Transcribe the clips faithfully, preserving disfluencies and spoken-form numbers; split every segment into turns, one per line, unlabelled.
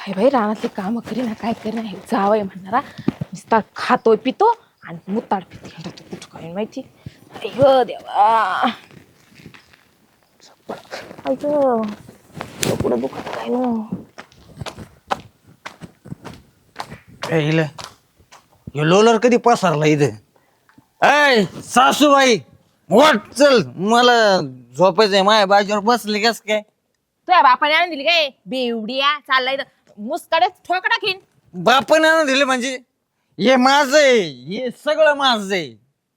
काय बाई रानातले काम करीना काय करीना हे जावंय म्हणणारा नुसता खातोय पितो आणि मुताड पिते आता तू कुठं काय माहिती अय्यो देवा अय्यो पुढं दुखत काय नो
हिला हे लोलर कधी पसरला इथं ऐ सासूबाई वाट चल मला झोपायचंय माझ्या बाजूवर बसले कस काय
तुझ्या बापाने आणून दिली काय बेवडिया चाललाय मुसकडे ठोक टाकीन
बापाने आणून दिले म्हणजे हे माझं आहे हे सगळं माझं आहे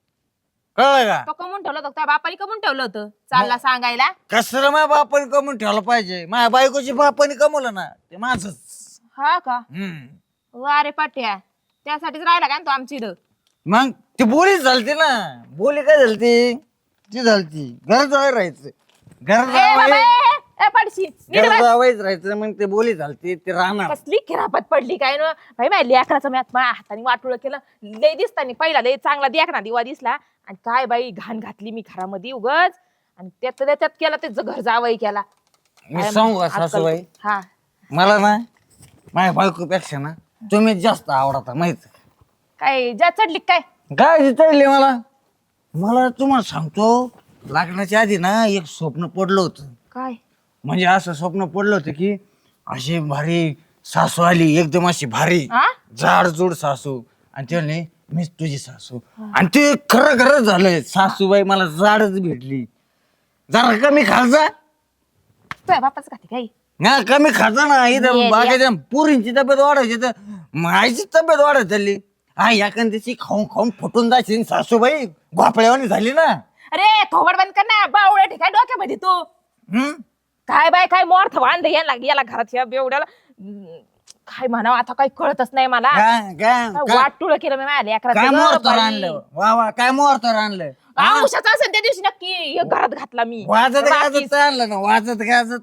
कळलं का
तो कमवून ठेवलं होतं तुझ्या बापाने कमवून ठेवलं होतं चालला सांगायला
कसलं माझ्या बापाने कमवून ठेवलं पाहिजे माझ्या बायकोची बापाने कमवलं ना ते माझंच
हा का
हम्म
वा रे पाट्या त्यासाठीच राहिला काय तो आमची इथं
मग ती बोलीच झालती ना बोली काय झालती ती झालती घर जावं राहायचं घर
ए बाबा,
जावं
ए, ए, पडशी नीट
घर
बस.
जावंच राहायचं मग ते बोली झालती ते राहणार
कसली खिरापत पडली काय ना भाई माझ्या लेकराचं मी माझ्या हाताने वाटोळ केलं लय दिसतानी पहिला लय चांगला देखना दिवा दिसला आणि काय बाई घाण घातली मी घरामध्ये उगच आणि त्यात त्यात केला त्याचं घर जावई केला
मी
काय
सांगू का
आजकाल-
सासूबाई
हा
मला ना माझ्या बायकोपेक्षा ना तुम्ही जास्त आवडता माहित
काय ज्या चढली काय
काय चढले मला मला तुम्हाला सांगतो लग्नाच्या आधी ना एक स्वप्न पडलं होतं
काय
म्हणजे असं स्वप्न पडलं होतं की अशी भारी सासू आली एकदम अशी भारी
हा
जाडजूड सासू आणि त्याने मीच तुझी सासू आणि ते खरं खरं झालंय सासूबाई मला जाडच भेटली जरा कमी खाजा
तुझ्या बापाचं खाते काय
ना कमी खाजा ना इथं
ये,
बाकीच्या पुरींची तब्येत वाढायची तर मायची तब्येत वाढत चालली हा एखाद्याची खाऊन खाऊन फुटून जायची सासूबाई घोपड्यावानी झाली ना
अरे थोबड बंद कर ना बावळ्या ठिकाणी डोक्यामध्ये तू
हम्म
काय बाय काय मोर्थ वांद यायला याला घरात या बेवड्याला हम्म, काय म्हणावं आता काही कळतच नाही मला
काय काय काय-
वाटुळ केलं मी माझ्या
काय
लेकराचं
मोहरतर
बाई.
आणलं वा वा काय मोहरतर आणलं हा?
औषधाचं असेल त्या दिवशी नक्की हे घरात घातला मी
वाजत
बाकी-
गाजत आणलं ना वाजत गाजत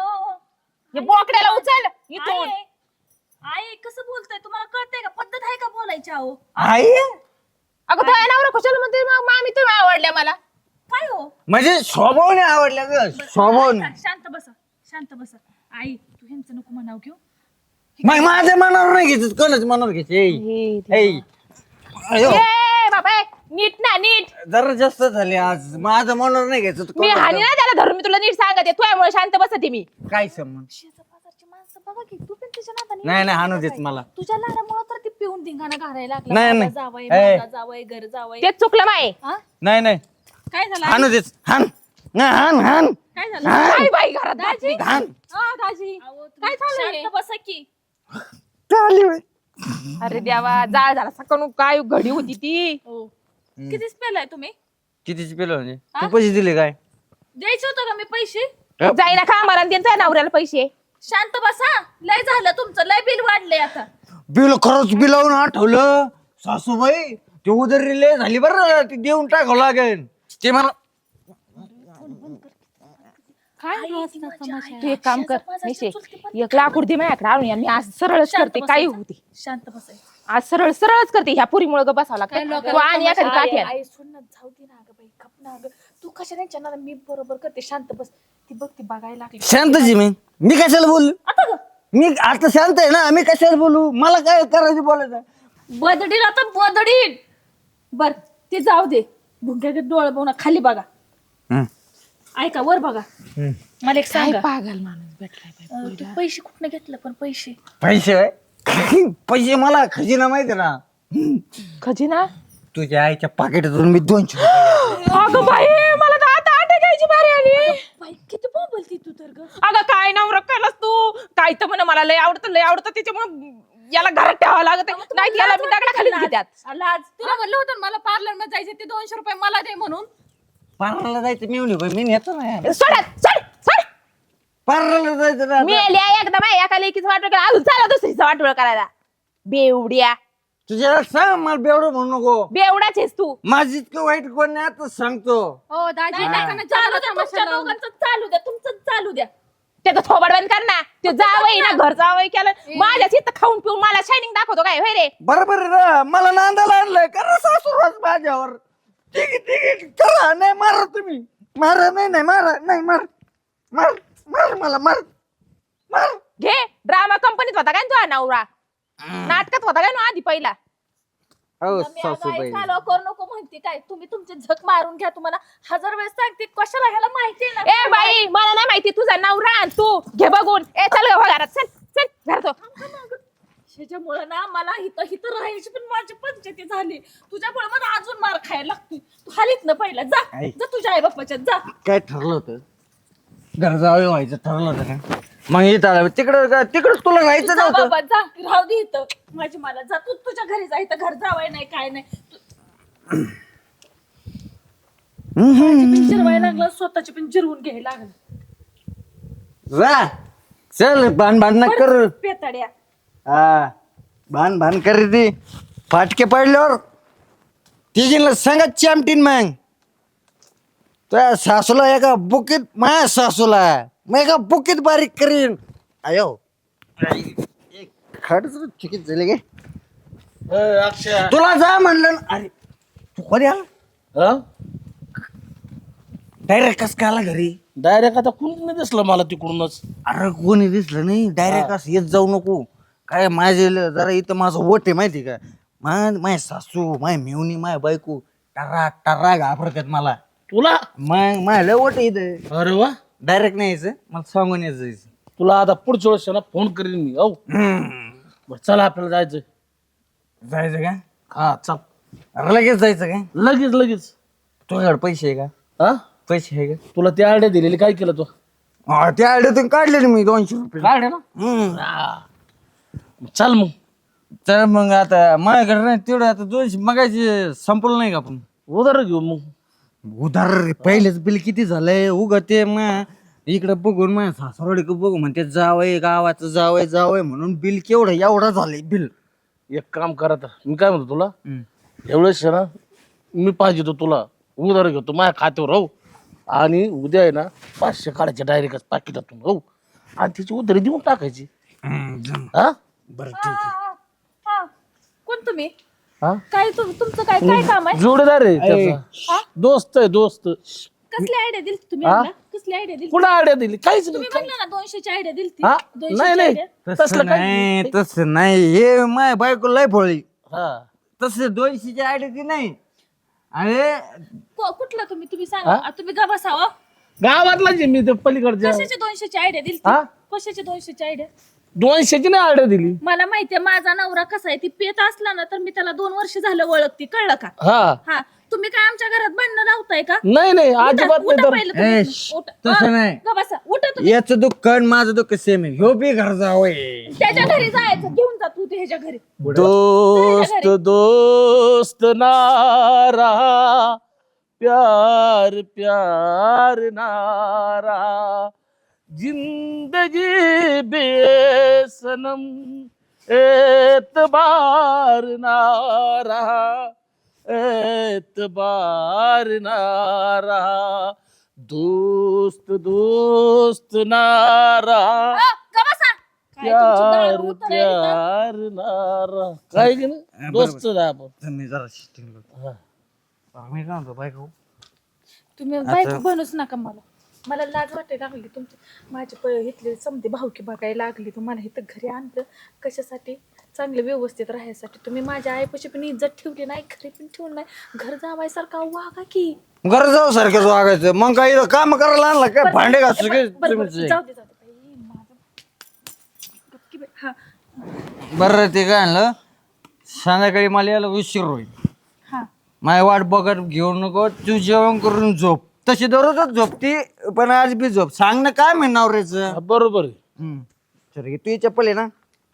हे बोकड्याला उचल इथून
आई आई कसं बोलताय तुम्हाला कळतंय का पद्धत आहे का बोलायची अहो
आई
अगं तो नवरा कशाला म्हणते मग मामी तुम्ही आवडल्या मला
काय हो
म्हणजे स्वभावने आवडल्या ग स्वभावने
ऐका, शांत बसा शांत बसा आई तू ह्यांचं नको म्हणाव घेऊ
मग माझ्या मनावर नाही घ्यायचं कोणाच मनावर घ्यायचे अयो
ए बाबा नीट ना नीट
जरा जास्त झाले आज माझं मनावर नाही घ्यायचं तर
मी
कोणाचं-
हानी ना त्याला धरून मी तुला नीट सांगते तुझ्यामुळे शांत बसते मी
काय संबंध
शेजारपाजारची माणसं बघा की तू पण त्याच्या नादाने
नाही नाही हाणू देत मला
तुझ्या लाडामुळे तर ती पिऊन धिंगाणा घालायला लागला
नाही,
बाबा
नाही.
जावई
ए.
माझा जावई घर जावई
तेच चुकलं माय
हा?
नाही नाही
काय झालं
हाणू देत हान नाही, हान हान
काय झालं
काय बाई घरात घातली?
हान
हा, दाजी काय झालं शांत बसा की
चालली बाई.
अरे देवा जाळ झाला सकाळून काय घडी होती ती
हो कितीच पेलाय तुम्ही
कितीची पेलो म्हणजे तू पैसे दिले काय
द्यायचे होतं का मी पैसे
जाईना का मला त्यांच्या नवऱ्याला पैसे
शांत बसा लय झालं तुमचं लय बिल वाढलंय आता
बिल खरंच बिलावून आठवलं सासूबाई ते उदर लय झाली बरं ती देऊन टाकावं लागेल ते मला
काय
तू एक काम कर निशे एक लाकूड दे माझ्याकडे आणून या. मी आज सरळच करते काही होती
शांत बसाय
आज सरळ सरळच करते ह्या पुरीमुळे ग बसावं लागतं तू आणि एखादी काठी आण.
आई सोड ना जाऊ दे ना ग बाई गप ना ग तू कशाने चॅनल मी बरोबर करते शांत बस ती बघ ती बघायला लागली
शांतची मी मी कशाला बोलू
आता ग
मी आता शांत आहे ना मी कशाला बोलू मला काय करायचं बोलायचं
बदडील आता बदडील बर ते जाऊ दे भुंग्याचे डोळे बघून खाली बघा
हं.
ऐका वर बघा मला एक
काय
सांगा
पागल माणूस भेटलाय बाई.
अं, तू पैसे कुठनं घेतलं पण पैसे
पैसे होय? पैसे मला खजिना माहिती ना
खजिना
तुझ्या आईच्या पाकिटातून मी दोनशे रुपये
अगं बाई मला तर आता आठ घ्यायची बारी आली
बाई किती बोलती तू तर ग
अगं काय नवरा केलास तू काय तर म्हण मला लय आवडतं लय आवडतं त्याच्यामुळे याला घरात ठेवावं लागत नाही याला मी दगडा खालीच घेतात
लाज तुला म्हणलं होतं ना मला पार्लर मध्ये जायचे ते दोनशे रुपये मला दे म्हणून
पार्लरला जायचं मी म्हणे मी नेतो ना
सोडत सोड सोड
पार्लरला जायचं ना
मी आली आहे एकदा माझ्या एका लेकीचं वाटोळ केलं अजून चाला दुसरीचं वाटोळ करायला बेवड्या
तुझ्याला सांग मला बेवडं म्हणू नको
बेवडाच आहेस तू
माझी इतकं वाईट कोण नाही आता सांगतो
हो दाजी चालू द्या तुमच्या दोघांचं चालू द्या तुमचं चालू द्या
त्याचं थोबड बंद कर ना ते जावई ना घर जावई केलं माझ्याच इथं खाऊन पिऊन मला शायनिंग दाखवतो काय होय रे
बरोबर आहे ना मला नांदायला आणलंय करा सासूरवास माझ्यावर ठीक आहे ठीक आहे करा नाही मारा तुम्ही मारा नाही नाही मारा नाही मार मार मार मला मार मार
घे ड्रामा कंपनीत होता काय तुझा नवरा नाटकात होता काय ना आधी पहिला
हो
मी अगं
सासूबाई
आई कालवा करू नको म्हणते काय तुम्ही तुमचे झक मारून घ्या तुम्हाला हजार वेळेस सांगते कशाला ह्याला माहिती आहे
ए बाई मला नाही माहिती तुझा नवरा आणि तू घे बघून ए चल ग घरात चल चल घरात हो.
ना त्याच्यामुळे ना मला हिथं हिथं राहायची पण माझी पंचायती झाली तुझ्यामुळे मला अजून मार खायला लागतोय तू हालीत ना पहिला जा
आई.
जा तुझ्या आई बाप्पाच्या जा
काय ठरलं होतं घर जावं व्हायचं ठरलं होतं का मग इथं तिकडं का तिकडं तुला राहायचं
जा
नव्हतं
बाबा जा राहू दे इथं माझी मला जा तू तुझ्या घरी जा इथं घर जावाय नाही काय नाही तू- माझी पण जिरवायला लागलं स्वतःची पण जिरवून घ्यायला लागलं
जा चल भान भान न कर
परत पेताड्या
हा भान भान कर रे ती फाटके पडल्यावर तिघींना सांगत चामटीन मग त्या सासूला एका बुकीत माझ्या सासूला मग एका बुकीत बारीक करीन आयो खडच चुकीत झाले गे
अक्षय
तुला जा म्हणलं ना. अरे तू कधी आला डायरेक्ट कस काय आला घरी
डायरेक्ट आता कुणीच नाही दिसलं मला तिकडूनच
अरे कोणी दिसलं नाही डायरेक्ट असं येत जाऊ नको काय माझे ल- जरा इथं माझं वट आहे माहिती का मा माझ्या सासू माझ्या मेवणी माझ्या बायको टरा टरा घाबरतात मला
तुला
मग माझ्या लय वट आहे इथं
अरे वा
डायरेक्ट नाही यायचं मला सांगून यायचं जायचं.
तुला आता पुढच्या वेळेस ना फोन करीन मी औ
हम्म.
बरं चला आपल्याला जायचं
जायचं का
हा चल
अरे लगेच जायचं का
लगेच लगेच
तुझ्याकडे पैसे आहे का
हा
पैसे आहे
तुला ते आयडिया दिलेली काय केलं तू
का त्या आयडियातून काढले ना मी दोनशे रुपये
काढ ना
हम्म.
हा. चल मग
तर मग आता माझ्याकडे नाही तेवढं आता दोनशे मगायचे संपलं नाही का आपण
उधार घेऊ मग
उधार रे, पहिलेच बिल किती झालंय उग ते मग इकडे बघून माझ्या सासरवाडी बघू म्हणते जावय गावाचं जावय जावय म्हणून बिल केवढं एवढं झालंय बिल
एक काम करा आता मी काय म्हणतो तुला एवढेच ना मी पाहिजे तो तुला उधार घेतो माझ्या खात्यावर राहू आणि उद्या आहे ना पाचशे काढायचे डायरेक्ट पाकिटातून राहू आणि त्याची उधारी देऊन टाकायची हा
बरं
हा, हा, हा. कोण तुम्ही
हा
काय तुम- तुमचं काय काय काम आहे
जोडीदार आहे त्याचा दोस्त आहे दोस्त
कसली आयडिया दिली तुम्ही
हा?
मला? कसली आयडिया दिली
पुन्हा आयडिया दिली काहीच नाही
तुम्ही म्हणलं ना दोनशेची आयडिया दिली
हा? नाही नाही
idea.
तसं
तसलं काही
नाही तसं नाही हे माझ्या बायको लय फळी
हा
तसं दोनशेची आयडिया ती नाही अरे
को- कुठला तुम्ही तुम्ही सांगा आ, तुम्ही गा बसावं
गावातला जे मी ते पलीकडच्या
कशाची दोनशेची आयडिया दिली
हा?
कशाची दोनशेची आयडिया
दोनशेची नाही आयडिया दिली
मला माहितीये माझा नवरा कसा आहे ती पेत असला ना तर मी त्याला दोन वर्ष झालं ओळखते कळलं का
हा
हा तुम्ही काय आमच्या घरात भांडणं लावताय का
नाही नाही अजिबात
उठा
नाही तर
पहिलं तुम्ही.
ए, श,
उठा.
तसं
हा,
नाही.
गा बसा उठा तुम्ही
याचं दुःख आणि माझं दुःख सेम आहे ह्यो बी घर जावय
त्याच्या घरी जायचं घेऊन जा तू ह्याच्या घरी
दोस्त दोस्त नारा प्यार प्यार नारा जिंदगी बेसनम एतबार नारा एतबार नारा दोस्त दोस्त नारा
हा, गा बसा काय तुमची
प्यार
दारू उतरायली का?
प्यार नारा काय की नाही दोस्त आहे आपण
तुम्ही जरा शिस्तीने बोला.
हा.
मी काय म्हणतो बायको
तुम्ही बायको बनूच नका मला मला लाज वाटायला लागली तुमची माझे प इथले समधी भावकी बघायला लागली तुम्हाला इथं घरी आणलं कशासाठी चांगले व्यवस्थित राहायसाठी तुम्ही माझ्या आईपाशी पण इज्जत ठेवली नाही घरी पण ठेवली नाही घर जावायसारखा वागा की
घर जाऊ सारखं वागायचं मग काही काम करायला आणलं काय भांडे घासू काय
बरं, बरं,
तुमचे?
जाऊ दे जाऊ दे बाई, माझं गपकी बाई. हा
बरं ते काय आणलं संध्याकाळी मला यायला उशीर होईल
हा
माझी वाट बघत घेऊ नको तू जेवण करून झोप तशी दररोजच झोपती पण आज बी झोप सांग ना काय म्हणणार रेच
हा, बरोबर आहे
चल तू चप्पल आहे ना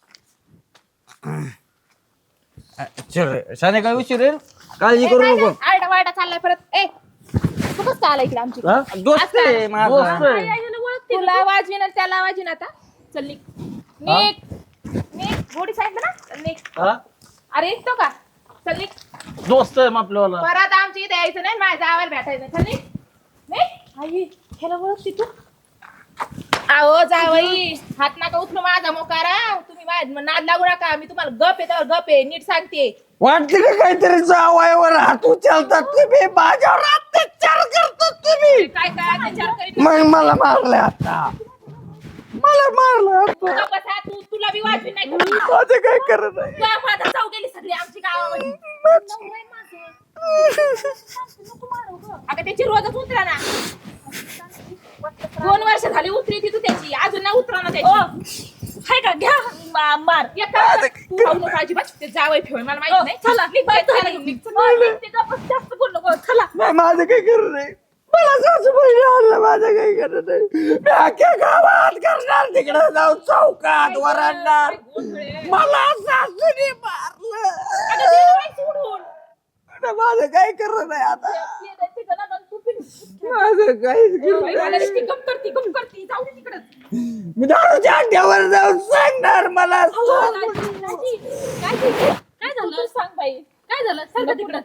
चल संध्याकाळी उशीर येईल काळजी करू नको
आरडा वारडा चाललाय परत ए तू कसं आला इकडे आमची
हा?
दोस्त आहे माझा.
दोस्त आहे.
आई, आईला ओळखते
तुला वाजवीन आणि त्याला वाजवीन आता चल निघ निघ निघ गोडी सांगितलं ना चल निघ
हा?
अरे निघतो का चल निघ
दोस्त आहे मग आपल्याला
परत आमच्या इथे यायचं नाही माझ्या जावायला भेटायचं नाही. चल निघ निघ
आई ह्याला ओळखते तू
अहो जावई हात नका उचलू माझा मोकारा तुम्ही माझ्या नाद लागू नका मी तुम्हाला गप आहे त्यावर गप आहे नीट सांगते
वाटते का काहीतरी जावयावर हात उचलतात तुम्ही माझ्यावर अत्याचार करतात तुम्ही
काय काय अत्याचार करीत
मग मला मारले आता मला मारलं
तू गप बसा, तू तुला बी वाजवी नाही कुठं.
माझं काय करत आहे
तुला माझा जाऊ गेली सगळी आमची गावामध्ये. नवरा आहे माझं. नको मारू गं. अगं त्याची रोजच उतरा ना. दोन वर्ष झाली उतरी ती तू त्याची अजून नाही उतरा ना त्याची. हाय का घ्या मा- मार एक काम कर. तू राहू नको अजिबात. ते जावई ठेव मला माहित नाही. चला निघ बाई, चला घेऊन निघ. चला, ते गप्प जास्त बोल नको. चला
नाही माझं काय करत नाही मला सासूबाई आणलं माझं काही करत नाही मी अख्ख्या गावात करणार तिकडे जाऊन चौकात वरडणार मला सासूने मारलं
अगं दे ना बाई सोडून.
आता माझं काय करत नाही आता
ते- ते जण ना तू पिन.
माझं काहीच करत
बाई, मला
नाही
नुसती गप करती गप करती. जाऊ दे तिकडं.
मी दारूच्या अड्ड्यावर जाऊन सांगणार मला
दाजी, दाजी, काय झालं सांग बाई. काय झालं सांग तिकडं.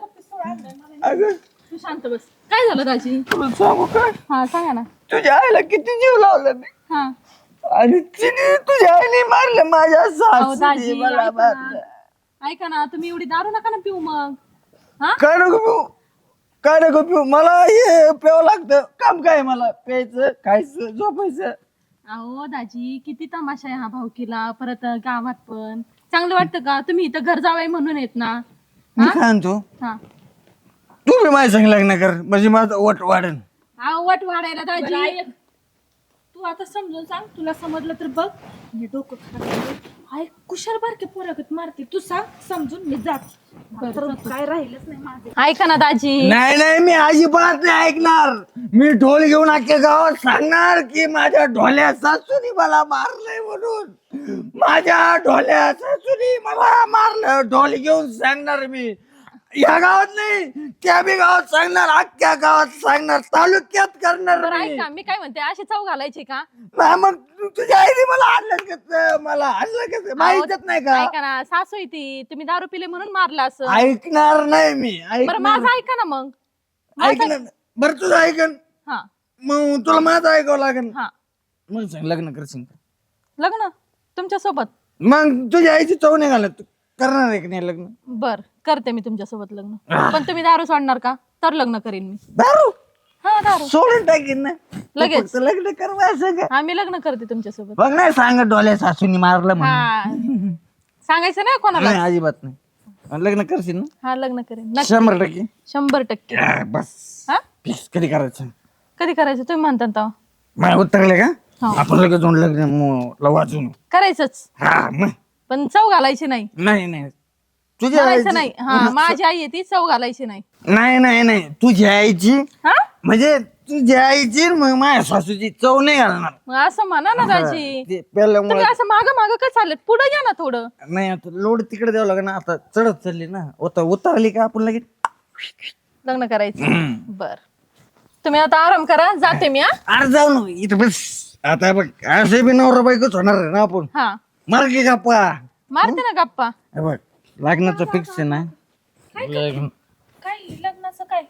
अगं
तू शांत बस. काय झालं दाजी?
तुला सांगू का
हा सांगा ना.
तुझ्या आईला किती जीव लावला मी
हा
आणि तिने तुझ्या आईने मारलं माझ्या
अहो,
सासूने
दाजी,
मला
ऐका
मारलं
ना. ऐका ना तुम्ही एवढी दारू नका ना पिऊ मग. हा
काय नको पिऊ काय नको पिऊ मला हे प्यावं लागतं काम काय मला प्यायचं खायचं झोपायचं
अहो दाजी किती तमाशा आहे हा भाऊकीला परत गावात पण चांगलं वाटतं का? तुम्ही इथं घर जावाय म्हणून येत ना.
मी काय म्हणतो
हा
तू बी माझ्या संग लग्न कर म्हणजे माझं वट वाढन
अहो वट वाढायला दाजी. तू आता समजून सांग. तुला समजलं तर बघ. मी डोकं खराब आहे. कुशाल बारके पोरागत मारते. तू सांग समजून मी जात. काय राहिलंच नाही माझं. ऐका ना दाजी.
नाही नाही मी अजिबात नाही ऐकणार मी ढोल घेऊन अख्ख्या गावात सांगणार की माझ्या ढोल्या सासूनी मला मारलंय म्हणून माझ्या ढोल्या सासूनी मला मारलं ढोल घेऊन सांगणार मी या गावात नाही त्या बी गावात सांगणार अख्ख्या गावात सांगणार तालुक्यात करणार
बरं
मी.
ऐका मी काय म्हणते अशी चव घालायची का?
नाही मग तु- तुझ्या आईने मला आणलं कसं मला आणलं कसं माहितच नाही का
ऐका ना सासू आहे ती. तुम्ही दारू पिले म्हणून मारला असं.
ऐकणार नाही मी
बरं
ऐकणार
माझं ऐका ना मग. माझं-
ऐकणार बरं तुझं ऐकन
हा
मग तुला माझं ऐकावं लागेल
हा
मग सांग लग्न करशील का?
लग्न तुमच्या सोबत.
मग तुझ्या आईची चव नाही घालत तू करणार आहे की नाही लग्न
बर करते मी तुमच्या सोबत लग्न. पण तुम्ही दारू सोडणार का? तर लग्न करीन मी.
दारू
हा दारू
सोडून टाकीन ना
लगेच.
तू फक्त लग्न करवायचं का
हा मी लग्न करते तुमच्या सोबत.
बघ नाही सांगत डोल्या सासूनी मारलं म्हणून
हा सांगायचं नाही कोणाला.
नाही अजिबात नाही आणि लग्न करशील ना
हा लग्न करेन नक्की.
शंभर टक्के
शंभर टक्के.
आ, बस
हा
प्लीज कधी करायचं
कधी करायचं तुम्ही म्हणता तेव्हा.
मला उतरले का
हो.
आपण लगेच जाऊन लग्न म- वाजून
करायचंच
हा मग
पण चव घालायची नाही.
नाही नाही तुझ्या
करायचं
आईची
नाही. हा माझी आई आहे ती चव घालायची नाही.
नाही नाही नाही तुझ्या आईची
हा
म्हणजे तुझ्या आईची मग माझ्या सासूची चव नाही घालणार
मग असं म्हणा ना दाजी.
ते पहिल्यामुळे
तुम्ही असं माग माग का चालत पुढे या ना थोडं.
नाही आता लोड तिकडे द्यावं लागेल ना आता चढत चालली ना उतर उतरली का आपण लगेच
लग्न करायचं. बर तुम्ही आता आराम करा जाते मी. हा
अरे जाऊ ना इथं बस आता बघ असे बी नवरा बायकोच होणार आहे ना आपण
हा
मार की गप्पा
मारते ना गप्पा.
हे बघ लग्नाचं फिक्स आहे ना लग्न
काय लग्नाचं काय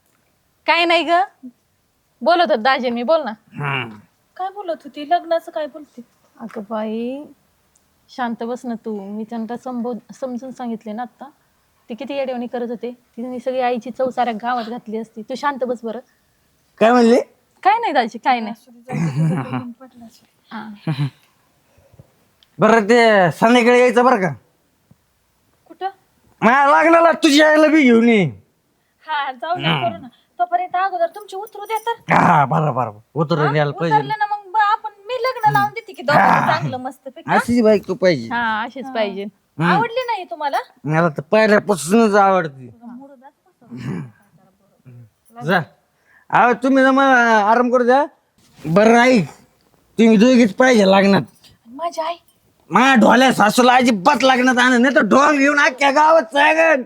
काय नाही ग बोलत होत दाजी मी बोल ना.
हा.
काय बोलत होती लग्नाचं काय बोलते? अगं बाई शांत बस ना तू. मी त्यांना संबोध समजून सांगितले ना आता. ती किती येडेवणी करत होते. तिने सगळी आईची चव साऱ्या गावात घातली असती. तू शांत बस बरं.
काय म्हणले
काय नाही दाजी काय नाही. हा.
बरं ते संध्याकाळी यायचं बरं का
कुठं?
मला लागलेला तुझ्या आईला बी घेऊन ये
हा जाऊ ना करू ना. तोपर्यंत अगोदर तुमची उतरू दे तर.
हा बरं बरं उतरून यायला पाहिजे
उतरलं ना मग ब- आपण मी लग्न लावून देते की दोघांचं चांगलं मस्त पैकी.
अशीच बाईक तू पाहिजे
हा अशीच पाहिजे. आवडली नाही तुम्हाला?
मला तर पहिल्यापासूनच आवडते जा अहो तुम्ही ना मला आराम करू द्या बरं ऐक तुम्ही दोघीच पाहिजे लागणार
माझी आई
माझ्या ढोल्या सासूला अजिबात लागणार आणत नाही तर ढोल घेऊन अख्ख्या गावात सांगन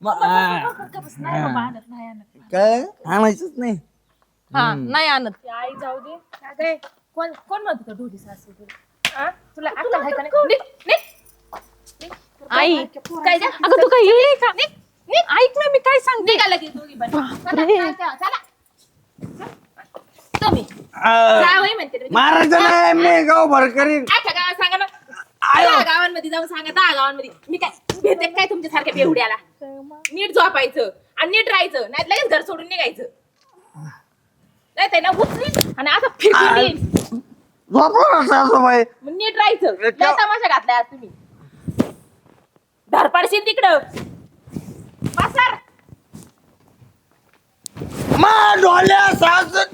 काय आणायचंच नाही
हा नाही आणत.
आई जाऊ दे. अगं, कोण कोण म्हणत होतं ढोली सासू तुला? आ? तुला अक्कल आहे का नाही? निघ, निघ.
आई
काय द्या?
अगं तू काय येईल का? ऐक ना मी काय सांगते.
निघाला की दोघी पण. चला,
बापरे.
चला, चला. तुम्ही
आ,
जावई म्हणते मी.
मारायचं नाही मी गाव भर करीन
अख्ख्या गावात सांगा ना. दहा गावांमध्ये जाऊन सांगा दहा गावांमध्ये मी काय भेटते काय तुमच्या सारख्या बेवड्याला. नीट झोपायचं आणि नीट राहायचं नाही लगेच घर सोडून निघायचं नाही ते ना उचलीन आणि असं फिरकून देईन.
झोपलो ना सासूबाई
मग नीट राहायचं. लय तमाशा घातलाय आज तुम्ही. धरपडशील तिकडं पासर.
मा डोल्या सासू